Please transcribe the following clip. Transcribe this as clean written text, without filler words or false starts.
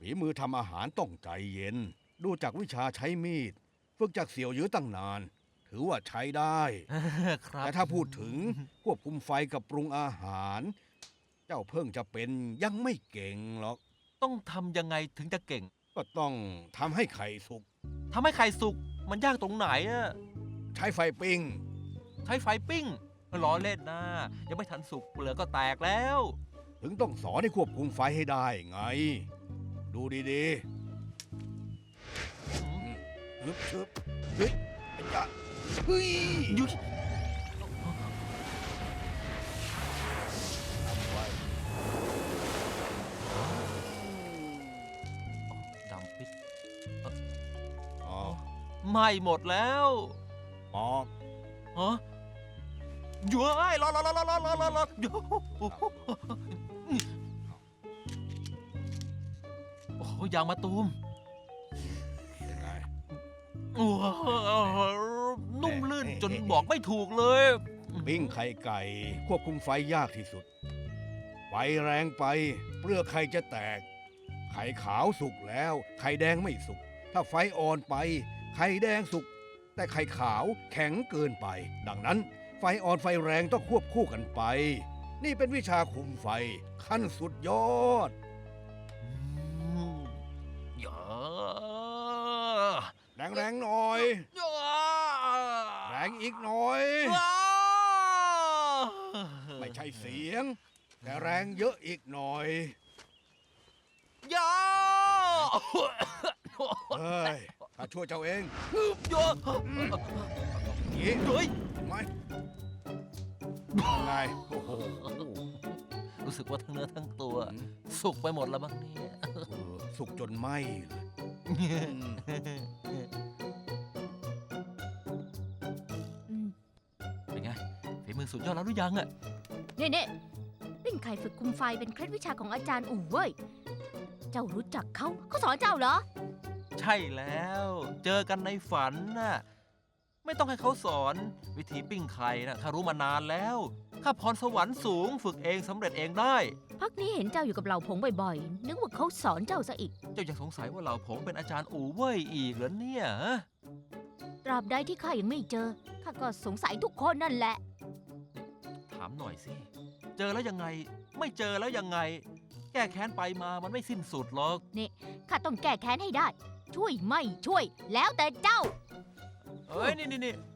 ฝีมือทำอาหารต้องใจเย็น ดูจากวิชาใช้มีด ฝึกจากเสี่ยวยื้อตั้งนาน ถือว่าใช้ได้ครับแต่ถ้าพูดถึงควบคุมไฟกับปรุงอาหาร เจ้าเพิ่งจะเป็นยังไม่เก่งหรอกต้องทำยังไงถึงจะเก่งก็ต้องทำให้ไข่สุกทำให้ไข่สุกมันยากตรงไหนอะใช้ไฟปิ้งใช้ไฟปิ้งล้อเล่นนะยังไม่ทันสุกเปลือกก็แตกแล้วถึงต้องสอนให้ควบคุมไฟให้ได้ไง ดูดีอืมๆฮึบชึบเฮ้ยไอ้จ๊ะเฮ้ยยุยทำไว้ดำปิดอ๋อไหม้หมดแล้วปอกฮะเย้ยรอเดี๋ยวโอ้โหยางมะตูมยังไงโอ้โหนุ่มลื่นจนบอกไม่ถูกเลยปิ้งไข่ไก่ควบคุมไฟยากที่สุด ไฟแรงไปเปลือกไข่จะแตก ไข่ขาวสุกแล้ว ไข่แดงไม่สุก ถ้าไฟอ่อนไป ไข่แดงสุก แต่ไข่ขาวแข็งเกินไป ดังนั้น ไฟอ่อนไฟแรงต้องควบคู่กันไป นี่เป็นวิชาคุมไฟ ขั้นสุดยอดเยอะแรงๆหน่อยเยอะแรงอีกหน่อย ไม่ใช่เสียง แต่แรงเยอะอีกหน่อยเยอะเฮ้ยข้าช่วยเจ้าเองเยอะอย่างนี้เฮ้ยไหมยังไงโอ้โหรู้สึกว่าทั้งเนื้อทั้งตัว สุกไปหมดแล้วบ้างเนี่ยสุกจนไหมเลยอืมอืมเป็นไงฝีมือสุดยอดแล้วหรือยังอะเนี่ยปิ้งไข่ฝึกคุมไฟเป็นเคล็ดวิชาของอาจารย์อู่เว้ย เจ้ารู้จักเขาสอนเจ้าเหรอใช่แล้ว เจอกันในฝันน่ะไม่ต้องให้เขาสอนวิธีปิ้งไข่นะข้ารู้มานานแล้วข้าพรสวรรค์สูงฝึกเองสำเร็จเองได้พักนี้เห็นเจ้าอยู่กับเหล่าผงบ่อยๆ นึกว่าเขาสอนเจ้าซะอีกเจ้ายังสงสัยว่าเหล่าผมเป็นอาจารย์อู่เว่ยอีกเหรอเนี่ยฮะตราบใดที่ข้ายังไม่เจอ ข้าก็สงสัยทุกคนนั่นแหละถามหน่อยสิ เจอแล้วยังไง ไม่เจอแล้วยังไง แก้แค้นไปมามันไม่สิ้นสุดหรอกข้าต้องแก้แค้นให้ได้ ช่วยไม่ช่วย แล้วแต่เจ้าเอ้ยนี่